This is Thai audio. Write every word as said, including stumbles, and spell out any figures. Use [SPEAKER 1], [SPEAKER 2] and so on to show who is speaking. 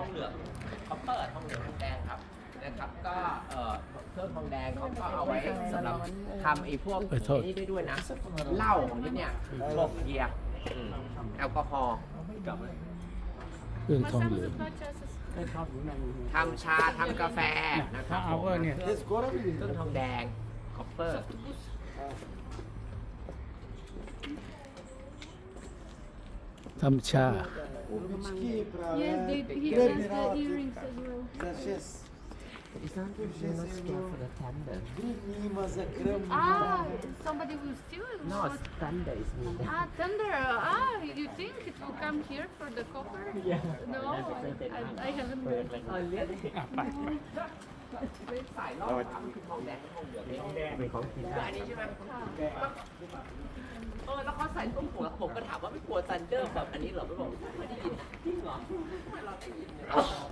[SPEAKER 1] องเหลืองคอปเปอร์ทองเหลืองทองแดงครับนะครับก็เอ่อเครื่องทองแดงเขาก็เอาไว้สำหรับทำไอ้พวกนี้ได้ด้วยนะเหล้าของที่เนี่ยพวกเบียร์แอลกอฮอล์
[SPEAKER 2] เครื่องทองเหลือง
[SPEAKER 1] ทำชาทำกาแฟนะครับผมเครื่องทองแดงคอปเปอร์
[SPEAKER 2] ทำชา
[SPEAKER 3] Yes, they, he has the earrings as well.
[SPEAKER 1] It's not you're not scared for the thunder.
[SPEAKER 3] Ah, somebody will steal it?
[SPEAKER 1] No, it's thunder is me.
[SPEAKER 3] Ah, thunder. Ah, you think it will come here for the copper? Yeah. No, I, I haven't heard.
[SPEAKER 1] เออเลี้ยงสายรอบทำคือทองแดงทองเหลืองเป็นของกินอันนี้ใช่ไหมเออแล้วเขาใส่ตุ้มหัวผมก็ถามว่าไม่กลัวซันเดอร์แบบอันนี้เหรอไม่บอกไม่ได้ยินจริงเหรอไม่เราได้ยิน